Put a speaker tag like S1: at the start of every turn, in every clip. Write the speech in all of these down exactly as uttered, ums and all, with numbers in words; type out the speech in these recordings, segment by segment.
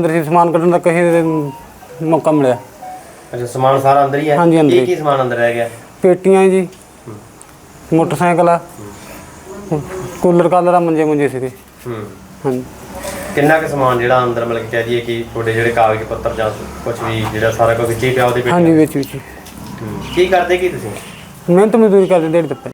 S1: अंदर से समान कढ़न का कहीं मौका मिला।
S2: अच्छा समान सारा अंदर ही है?
S1: हाँ जी अंदर।
S2: एक ही समान अंदर रह गया?
S1: पेटियां जी, मोटरसाइकिल आ, कूलर कालर मंजे मुंजे से। हाँ
S2: किन्ना के समान जिहड़ा अंदर मतलब कह दीए कि थोड़े जिहड़े कागज पत्तर जां कुछ भी जिहड़ा सारा कुछ विच ही पिया ओहदे?
S1: हाँ जी विच विच।
S2: की करदे की तुसीं?
S1: मेहनत मजदूरी करदे दिहाड़ी तप्पे।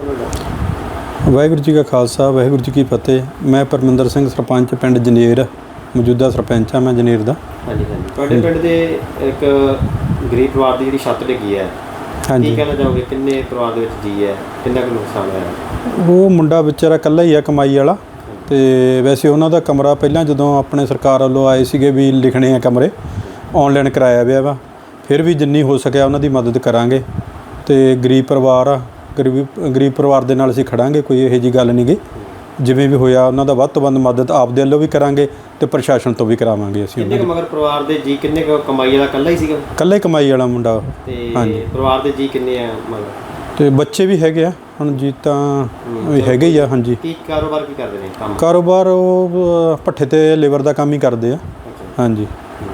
S3: वाहिगुरू जी का खालसा वाहिगुरू जी की फतेह। मैं परमिंदर सिंह सरपंच पिंड जनेर, मौजूदा सरपंच हाँ मैं जनेर दा।
S2: हाँ जी हाँ जी। तुहाडे पिंड दे एक गरीब परिवार की जिहड़ी छत डिगी है,
S3: हाँ जी,
S2: की कहना चाहोगे किन्ने परिवार दे विच जी है, किन्ना कुछ नुकसान होया?
S3: वो मुंडा बेचारा इकल्ला ही है कमाई वाला। तो वैसे उन्हों का कमरा पहला जो अपने सरकार वालों आए थे भी लिखने हैं कमरे ऑनलाइन कराया गया वा, फिर भी जिन्नी हो सकिया उन्हों की मदद करांगे। तो गरीब परिवार आ, गरीब गरीब परिवार के नाल असीं खड़ांगे, कोई यही जी गल नहीं गी। जिवें भी होया उन्हों का वध तो वध मदद आपदे वल्लों भी करांगे ते प्रशासन तो भी करावांगे असीं।
S2: किन्ने मगर परिवार दे जी किन्ने कमाई वाला कल्ला ही सीगा?
S3: कल्ला ही कमाई वाला मुंडा।
S2: हाँ जी। परिवार दे जी किन्ने आ मगर? तो
S3: बच्चे भी हैगे आ हुण जी तां हैगे ही आ। हाँ जी।
S2: की कारोबार की करदे ने काम?
S3: कारोबार वो भट्ठे ते लेबर का काम ही करते हैं। हाँ जी।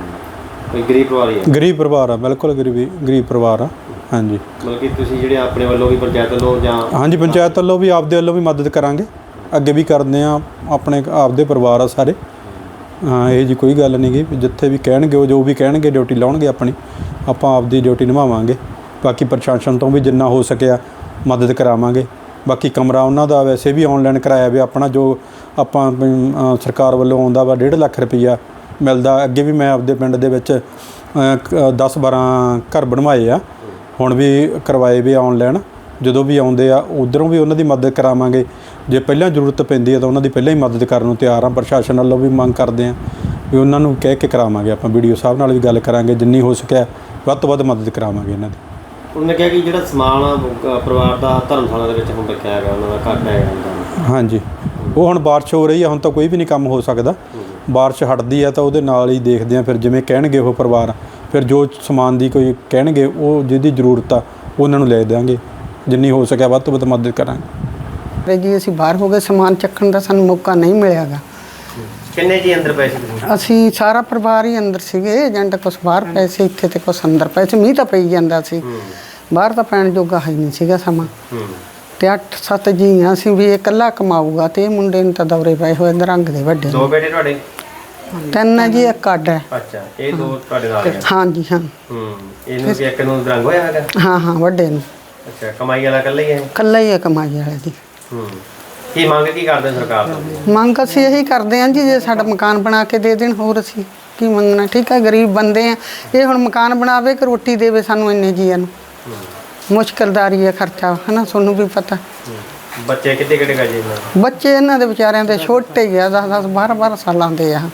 S2: कोई गरीब परिवार ही है? गरीब
S3: परिवार आ, बिल्कुल गरीबी गरीब परिवार आ। हाँ जी।
S2: मतलब कि तुसीं जिहड़े अपने वालों भी पंचायत वालों जां? हाँ
S3: जी पंचायत वालों भी आपदे वालों भी मदद करांगे, अगे भी करते हैं, अपने आपदे परिवार आ सारे। हाँ ये जी कोई गल नहीं गी, जिथे भी कहणगे जो भी कहणगे ड्यूटी लाउणगे अपनी, आपां आपदी ड्यूटी निभावांगे। बाकी प्रशासन तो भी जिन्ना हो सकिया मदद करावांगे। बाकी कमरा उन्हों का वैसे भी ऑनलाइन कराया भी अपना जो आपां सरकार वालों आउंदा वा डेढ़ लख रुपया मिलता। अगे भी मैं आपदे पिंड दे विच दस बारह घर बनवाए आ, हुण भी करवाए भी ऑनलाइन। जो भी आउंदे आ उधरों भी उन्हों की मदद करावांगे। जे पहलां जरूरत पैंदी है तो उन्हों की पहलां ही मदद करन नूं तैयार हाँ। प्रशासन वालों भी मंग करते हैं भी उन्होंने कह के करावांगे। आपां वीडियो साहब नाल भी गल करांगे, जिन्नी हो सकिया वध तो वध मदद करावांगे इन्हां दी।
S2: उन्होंने कहा कि जो समान परिवार का धर्मशाला हम रखा है उन्होंने घट है? हाँ जी।
S3: वो हुण बारिश हो रही है, हुण तो कोई भी नहीं काम हो सकता। बारिश हटदी है तो वो नाल ही देखते हैं, फिर जिवें कहणगे वो परिवार, फिर जो समान की कोई कहणगे वो जिहदी जरूरत आ उन्होंने ले देंगे, जिन्नी हो सकिया वध तो वध मदद करांगे।
S4: जी असीं बाहर हो गए, समान चक्कण का सानूं मौका नहीं मिलेगा।
S2: किन्ने जी अंदर पए सी?
S4: असीं सारा परिवार ही अंदर सीगे, एजेंट कुछ बाहर पए सी, इत्थे ते कुछ अंदर पए सी। मींह तां पई जांदा सी, बाहर तां पैण जोगा है नहीं सीगा समा। ते अठ सत्त जी आ असीं भी इकल्ला कमाऊगा ते मुंडे नूं तां दौरे पए होए दरंग दे वड्डे।
S2: दो बेटे तुहाडे?
S4: ਤਿੰਨ ਜੀ ਇੱਕ ਅੱਡ ਹੈ।
S2: ਅੱਛਾ ਇਹ ਦੋ ਤੁਹਾਡੇ ਨਾਲ ਹੈ?
S4: ਹਾਂ ਜੀ ਹਾਂ।
S2: ਹੂੰ ਇਹਨੂੰ ਵੀ ਇੱਕ ਨੂੰ ਦਰੰਗ ਹੋਇਆ ਹੈਗਾ?
S4: ਹਾਂ ਹਾਂ ਵੱਡੇ ਨੂੰ।
S2: ਅੱਛਾ ਕਮਾਈ ਵਾਲਾ ਇਕੱਲਾ ਹੀ ਹੈ?
S4: ਇਕੱਲਾ ਹੀ ਹੈ ਕਮਾਈ ਵਾਲੇ ਦੀ।
S2: ਹੂੰ ਕੀ ਮੰਗ ਕੀ ਕਰਦੇ ਸਰਕਾਰ ਤੋਂ?
S4: ਮੰਗ ਅਸੀਂ ਇਹੀ ਕਰਦੇ ਹਾਂ ਜੀ ਜੇ ਸਾਡਾ ਮਕਾਨ ਬਣਾ ਕੇ ਦੇ ਦੇਣ, ਹੋਰ ਅਸੀਂ ਕੀ ਮੰਗਣਾ। ਠੀਕ ਹੈ ਗਰੀਬ ਬੰਦੇ ਆ, ਇਹ ਹੁਣ ਮਕਾਨ ਬਣਾਵੇ ਕਿ ਰੋਟੀ ਦੇਵੇ ਸਾਨੂੰ ਇੰਨੇ ਜੀਆਂ ਨੂੰ? ਮੁਸ਼ਕਿਲਦਾਰੀ ਹੈ ਖਰਚਾ ਹੈ ਨਾ, ਤੁਹਾਨੂੰ ਵੀ ਪਤਾ।
S2: ਬੱਚੇ ਕਿੱਡੇ ਕਿੱਡੇ ਗਾ ਜੀ?
S4: ਬੱਚੇ ਇਹਨਾਂ ਦੇ ਵਿਚਾਰਿਆਂ ਦੇ ਛੋਟੇ ਹੀ ਆ, ਦਸ ਦਸ ਬਾਰਾਂ ਬਾਰਾਂ ਸਾਲਾਂ ਦੇ ਆ।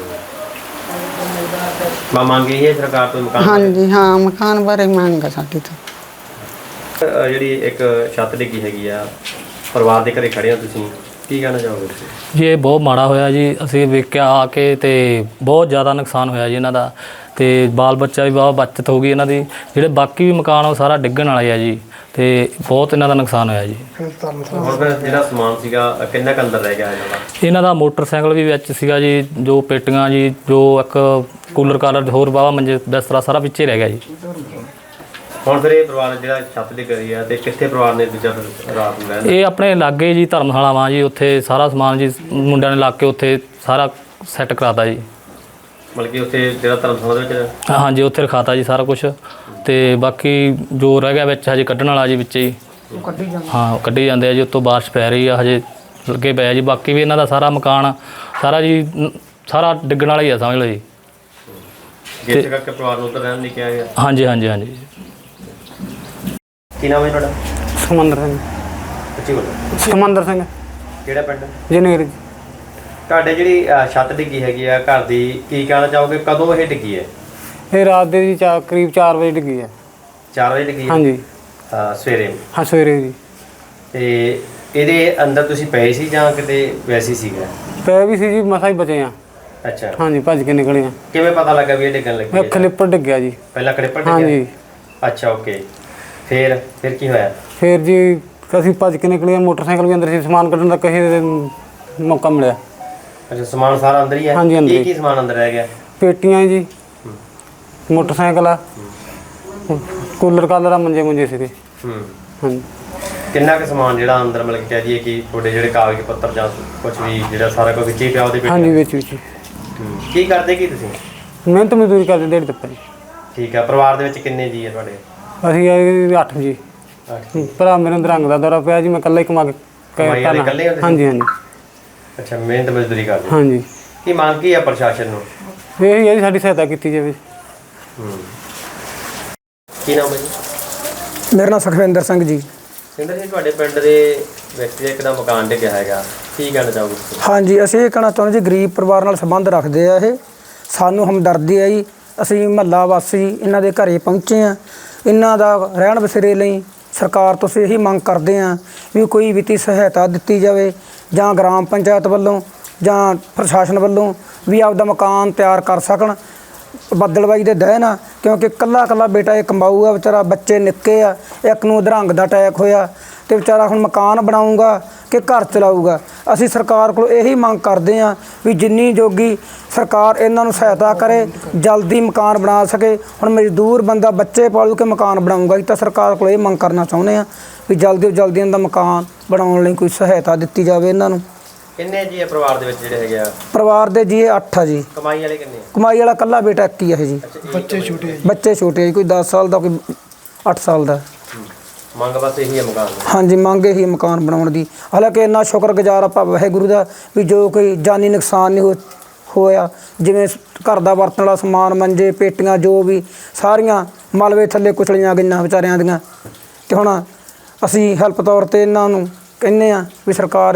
S2: ਮੈਂ ਮੰਗ ਰਹੀ ਹੈ ਸਰਕਾਰ ਤੋਂ ਮਕਾਨ?
S4: ਹਾਂਜੀ ਹਾਂ ਮਕਾਨ ਬਾਰੇ ਮੰਗ ਆ ਸਾਡੀ ਤੋਂ।
S2: ਜਿਹੜੀ ਇੱਕ ਛੱਤ ਡਿੱਗੀ ਹੈਗੀ ਆ, ਪਰਿਵਾਰ ਦੇ ਘਰੇ ਖੜੇ ਹੋ ਤੁਸੀਂ, ਕੀ ਕਹਿਣਾ ਚਾਹੋਗੇ ਤੁਸੀਂ?
S5: ਜੀ ਇਹ ਬਹੁਤ ਮਾੜਾ ਹੋਇਆ ਜੀ, ਅਸੀਂ ਵੇਖਿਆ ਆ ਕੇ ਤੇ ਬਹੁਤ ਜ਼ਿਆਦਾ ਨੁਕਸਾਨ ਹੋਇਆ ਜੀ ਇਹਨਾਂ ਦਾ, ਤੇ ਬਾਲ ਬੱਚਾ ਵੀ ਬਹੁਤ ਬਚਤ ਹੋ ਗਈ ਇਹਨਾਂ ਦੀ। ਜਿਹੜੇ ਬਾਕੀ ਵੀ ਮਕਾਨ ਉਹ ਸਾਰਾ ਡਿੱਗਣ ਵਾਲੇ ਆ ਜੀ, ਤੇ ਬਹੁਤ ਇਹਨਾਂ ਦਾ ਨੁਕਸਾਨ ਹੋਇਆ ਜੀ।
S2: ਹੁਣ ਜਿਹੜਾ ਸਮਾਨ ਸੀਗਾ ਕਿੰਨਾ ਕੁ ਅੰਦਰ ਰਹਿ ਗਿਆ ਇਹਨਾਂ ਦਾ?
S5: ਇਹਨਾਂ ਦਾ ਮੋਟਰਸਾਈਕਲ ਵੀ ਵਿੱਚ ਸੀਗਾ ਜੀ, ਜੋ ਪੇਟੀਆਂ ਜੀ, ਜੋ ਇੱਕ ਕੂਲਰ ਕਾਲਰ ਹੋਰ ਵਾਹਵਾ ਮੰਜੇ ਬਿਸਤਰਾ ਸਾਰਾ ਵਿੱਚੇ ਰਹਿ ਗਿਆ ਜੀ।
S2: ਹੁਣ ਫਿਰ ਇਹ ਪਰਿਵਾਰ ਜਿਹੜਾ ਛੱਤ ਡਿੱਗ ਰਹੀ ਆ, ਤੇ ਕਿੱਥੇ ਪਰਿਵਾਰ ਨੇ ਦੂਜਾ ਰਾਤ ਨੂੰ ਰਹਿਣਾ?
S5: ਇਹ ਆਪਣੇ ਲਾਗੇ ਜੀ ਧਰਮਸ਼ਾਲਾ ਵਾਂ ਜੀ, ਉੱਥੇ ਸਾਰਾ ਸਮਾਨ ਜੀ ਮੁੰਡਿਆਂ ਨੇ ਲਾ ਕੇ ਉੱਥੇ ਸਾਰਾ ਸੈੱਟ ਕਰਾਤਾ ਜੀ।
S2: ਮਤਲਬ ਕਿ ਉੱਥੇ ਜਿਹੜਾ ਧਰਮਸ਼ਾਲਾ ਦੇ ਵਿੱਚ?
S5: ਹਾਂਜੀ ਉੱਥੇ ਰਖਾਤਾ ਜੀ ਸਾਰਾ ਕੁਛ, ਤੇ ਬਾਕੀ ਜੋ ਰਹਿ ਗਿਆ ਵਿੱਚ ਹਜੇ ਕੱਢਣ ਵਾਲਾ ਜੀ ਵਿੱਚ ਹੀ। ਹਾਂ ਕੱਢੀ ਜਾਂਦੇ ਆ ਜੀ, ਉੱਤੋਂ ਬਾਰਿਸ਼ ਪੈ ਰਹੀ ਆ, ਹਜੇ ਲੱਗੇ ਪਏ ਜੀ। ਬਾਕੀ ਵੀ ਇਹਨਾਂ ਦਾ ਸਾਰਾ ਮਕਾਨ ਸਾਰਾ ਜੀ ਸਾਰਾ ਡਿੱਗਣ ਵਾਲਾ ਹੀ ਆ, ਸਮਝ ਲਓ ਜੀ।
S2: ਜਿਸ ਕਰਕੇ ਪਰਿਵਾਰ ਨੂੰ ਉੱਧਰ ਰਹਿਣ ਨਹੀਂ ਕਿਹਾ ਗਿਆ?
S5: ਹਾਂਜੀ ਹਾਂਜੀ ਹਾਂਜੀ।
S2: ਕੀ ਨਾਮ ਹੈ ਤੁਹਾਡਾ?
S1: ਸਮੰਦਰ ਸਿੰਘ।
S2: ਅੱਛੀ ਬੋਲੋ।
S1: ਸਮੰਦਰ ਸਿੰਘ।
S2: ਕਿਹੜਾ ਪਿੰਡ?
S1: ਜਨੇਰ ਜੀ।
S2: ਤੁਹਾਡੇ ਜਿਹੜੀ ਛੱਤ ਡਿੱਗੀ ਹੈਗੀ ਆ ਘਰ ਦੀ, ਕੀ ਕਹਿਣਾ ਚਾਹੋਗੇ ਕਦੋਂ ਇਹ ਡਿੱਗੀ ਹੈ?
S1: ਇਹ ਰਾਤ ਦੇ ਜੀ ਚਾਰ ਕਰੀਬ ਚਾਰ ਵਜੇ ਡਿੱਗੀ ਹੈ।
S2: ਚਾਰ ਵਜੇ ਡਿੱਗੀ?
S1: ਹਾਂਜੀ
S2: ਸਵੇਰੇ?
S1: ਹਾਂ ਸਵੇਰੇ ਜੀ।
S2: ਤੇ ਇਹਦੇ ਅੰਦਰ ਤੁਸੀਂ ਪਏ ਸੀ ਜਾਂ ਕਿਤੇ ਵੈਸੇ ਸੀਗਾ?
S1: ਪਏ ਵੀ ਸੀ ਜੀ, ਮਸਾਂ ਹੀ ਬਚੇ ਆ।
S2: ਅੱਛਾ
S1: ਹਾਂਜੀ ਭੱਜ ਕੇ ਨਿਕਲੇ ਆ।
S2: ਕਿਵੇਂ ਪਤਾ ਲੱਗਾ ਵੀ ਇਹ ਡਿੱਗਣ ਲੱਗੀ?
S1: ਇਹ ਖਲਿੱਪਰ ਡਿੱਗਿਆ ਜੀ।
S2: ਪਹਿਲਾਂ ਖਲਿੱਪਰ ਡਿੱਗਿਆ?
S1: ਹਾਂਜੀ।
S2: ਅੱਛਾ ਓਕੇ। ਫਿਰ ਫਿਰ ਕੀ ਹੋਇਆ?
S1: ਫਿਰ ਜੀ ਅਸੀਂ ਭੱਜ ਕੇ ਨਿਕਲੇ, ਮੋਟਰਸਾਈਕਲ ਵੀ ਅੰਦਰ ਸੀ, ਸਮਾਨ ਕੱਢਣ ਦਾ ਕਹੇ ਮੌਕਾ ਮਿਲਿਆ।
S2: ਅੱਛਾ ਸਮਾਨ ਸਾਰਾ ਅੰਦਰ ਹੀ ਹੈ?
S1: ਹਾਂਜੀ ਅੰਦਰ।
S2: ਕੀ ਕੀ ਸਮਾਨ ਅੰਦਰ ਰਹਿ ਗਿਆ?
S1: ਪੇਟੀਆਂ ਜੀ, ਮੋਟਰਸਾਈਕਲ ਆ, ਕੂਲਰ ਕਾਲਰ ਆ, ਮੰਜੇ ਮੁੰਜੇ ਸੀਗੇ।
S2: ਹੂੰ
S1: ਹਾਂਜੀ।
S2: ਕਿੰਨਾ ਕੁ ਸਮਾਨ ਜਿਹੜਾ ਅੰਦਰ ਮਤਲਬ ਕਿ ਕਹਿ ਦਈਏ ਕਿ ਤੁਹਾਡੇ ਜਿਹੜੇ ਕਾਗਜ਼ ਪੱਤਰ ਜਾਂ ਕੁਝ ਵੀ ਜਿਹੜਾ ਸਾਰਾ ਕੁਝ ਵਿੱਚ ਹੀ ਪਿਆ ਉਹਦੇ
S1: ਹਾਂਜੀ
S2: ਵਿੱਚ
S1: ਵਿੱਚ ਵਿੱਚ
S2: ਹੂੰ। ਕੀ ਕਰਦੇ ਕੀ ਤੁਸੀਂ?
S1: ਮਿਹਨਤ ਮਜ਼ਦੂਰੀ ਕਰਦੇ ਦਿਹਾੜੀ ਦੱਪਾ ਜੀ।
S2: ਠੀਕ ਆ। ਪਰਿਵਾਰ ਦੇ ਵਿੱਚ ਕਿੰਨੇ ਜੀ ਆ ਤੁਹਾਡੇ?
S1: ਅਸੀਂ ਆਏ ਅੱਠ ਜੀ। ਭਰਾ ਮੇਰੇ ਨੂੰ ਰੰਗ ਦਾ ਦੌਰਾ ਪਿਆ ਜੀ, ਮੈਂ ਇਕੱਲਾ ਹੀ ਕਮਾ ਕੇ
S2: ਕਮਾਈ ਵਾਲੇ ਇਕੱਲੇ ਹੁੰਦੇ ਸੀ?
S1: ਹਾਂਜੀ ਹਾਂਜੀ
S2: ਅੱਛਾ, ਮਿਹਨਤ ਮਜ਼ਦੂਰੀ ਕਰਦੇ।
S1: ਹਾਂਜੀ।
S2: ਕੀ ਮੰਗ ਕੀ ਆ ਪ੍ਰਸ਼ਾਸਨ ਨੂੰ?
S1: ਇਹ ਹੀ ਹੈ ਜੀ, ਸਾਡੀ ਸਹਾਇਤਾ ਕੀਤੀ ਜਾਵੇ।
S2: ਹੂੰ। ਕੀ ਨਾਮ ਹੈ ਜੀ?
S6: ਮੇਰਾ ਨਾਮ ਸੁਖਵਿੰਦਰ ਸਿੰਘ ਜੀ।
S2: ਸਿੰਦਰ ਜੀ, ਤੁਹਾਡੇ ਪਿੰਡ ਦੇ ਵਿਅਕਤੀ ਦਾ ਇੱਕ ਦਾ ਮਕਾਨ ਡਿੱਗਿਆ ਹੈਗਾ, ਕੀ ਕਹਿਣਾ ਚਾਹੋਗੇ ਤੁਸੀਂ?
S6: ਹਾਂਜੀ, ਅਸੀਂ ਇਹ ਕਹਿਣਾ ਚਾਹੁੰਦੇ ਜੀ, ਗਰੀਬ ਪਰਿਵਾਰ ਨਾਲ ਸੰਬੰਧ ਰੱਖਦੇ ਆ ਇਹ, ਸਾਨੂੰ ਹਮਦਰਦੀ ਹੈ ਜੀ। ਅਸੀਂ ਮਹੱਲਾ ਵਾਸੀ ਇਹਨਾਂ ਦੇ ਘਰੇ ਪਹੁੰਚੇ ਆ। ਇਹਨਾਂ ਦਾ ਰਹਿਣ ਬਸੇਰੇ ਲਈ ਸਰਕਾਰ ਤੋਂ ਅਸੀਂ ਇਹੀ ਮੰਗ ਕਰਦੇ ਆ ਵੀ ਕੋਈ ਵਿੱਤੀ ਸਹਾਇਤਾ ਦਿੱਤੀ ਜਾਵੇ, ਜਾਂ ਗ੍ਰਾਮ ਪੰਚਾਇਤ ਵੱਲੋਂ ਜਾਂ ਪ੍ਰਸ਼ਾਸਨ ਵੱਲੋਂ ਵੀ ਆਪਦਾ ਮਕਾਨ ਤਿਆਰ ਕਰ ਸਕਣ। ਬੱਦਲਬਾਈ ਦੇ ਦਹਿ ਨਾ, ਕਿਉਂਕਿ ਕੱਲਾ ਕੱਲਾ ਬੇਟਾ ਇਹ ਕਮਾਊ ਆ ਵਿਚਾਰਾ, ਬੱਚੇ ਨਿੱਕੇ ਆ, ਇੱਕ ਨੂੰ ਅਧਰੰਗ ਦਾ ਅਟੈਕ ਹੋਇਆ ਤੇ ਵਿਚਾਰਾ ਹੁਣ ਮਕਾਨ ਬਣਾਊਗਾ ਕਿ ਘਰ ਚਲਾਊਗਾ। ਅਸੀਂ ਸਰਕਾਰ ਕੋਲ ਇਹੀ ਮੰਗ ਕਰਦੇ ਆ ਵੀ ਜਿੰਨੀ ਜੋਗੀ ਸਰਕਾਰ ਇਹਨਾਂ ਨੂੰ ਸਹਾਇਤਾ ਕਰੇ, ਜਲਦੀ ਮਕਾਨ ਬਣਾ ਸਕੇ। ਹੁਣ ਮਜ਼ਦੂਰ ਬੰਦਾ ਬੱਚੇ ਪਾਲੂ ਕੇ ਮਕਾਨ ਬਣਾਊਗਾ, ਅਸੀਂ ਤਾਂ ਸਰਕਾਰ ਕੋਲ ਇਹ ਮੰਗ ਕਰਨਾ ਚਾਹੁੰਦੇ ਆ ਵੀ ਜਲਦੀ ਤੋਂ ਜਲਦੀ ਇਹਨਾਂ ਦਾ ਮਕਾਨ ਬਣਾਉਣ ਲਈ ਕੋਈ ਸਹਾਇਤਾ ਦਿੱਤੀ ਜਾਵੇ ਇਹਨਾਂ ਨੂੰ।
S2: ਕਿੰਨੇ ਜੀ ਆ ਪਰਿਵਾਰ ਦੇ ਵਿੱਚ ਜਿਹੜੇ ਹੈਗੇ ਆ?
S6: ਪਰਿਵਾਰ ਦੇ ਜੀ ਅੱਠ ਆ ਜੀ।
S2: ਕਮਾਈ ਵਾਲੇ ਕਿੰਨੇ ਆ?
S6: ਕਮਾਈ ਵਾਲਾ ਕੱਲਾ ਬੇਟਾ ਇੱਕ ਹੀ ਹੈ ਜੀ।
S2: ਬੱਚੇ ਛੋਟੇ?
S6: ਬੱਚੇ ਛੋਟੇ ਆ ਜੀ, ਕੋਈ ਦਸ ਸਾਲ ਦਾ, ਕੋਈ ਅੱਠ ਸਾਲ ਦਾ।
S2: ਮੰਗ ਬਸ ਇਹੀ ਹੈ ਮਕਾਨ ਦੀ।
S6: ਹਾਂਜੀ, ਮੰਗ ਇਹੀ ਮਕਾਨ ਬਣਾਉਣ ਦੀ। ਹਾਲਾਂਕਿ ਇੰਨਾ ਸ਼ੁਕਰਗੁਜ਼ਾਰ ਆਪਾਂ ਵਾਹਿਗੁਰੂ ਦਾ ਵੀ ਜੋ ਕੋਈ ਜਾਨੀ ਨੁਕਸਾਨ ਨਹੀਂ ਹੋ ਹੋਇਆ। ਜਿਵੇਂ ਘਰ ਦਾ ਵਰਤਣ ਵਾਲਾ ਸਮਾਨ, ਮੰਜੇ, ਪੇਟੀਆਂ, ਜੋ ਵੀ ਸਾਰੀਆਂ ਮਲਬੇ ਥੱਲੇ ਕੁਚਲੀਆਂ ਗਈਆਂ ਵਿਚਾਰਿਆਂ ਦੀਆਂ। ਤੇ ਹੁਣ ਅਸੀਂ ਹੈਲਪ ਤੌਰ 'ਤੇ ਇਹਨਾਂ ਨੂੰ ਕਹਿੰਦੇ ਆ ਵੀ ਸਰਕਾਰ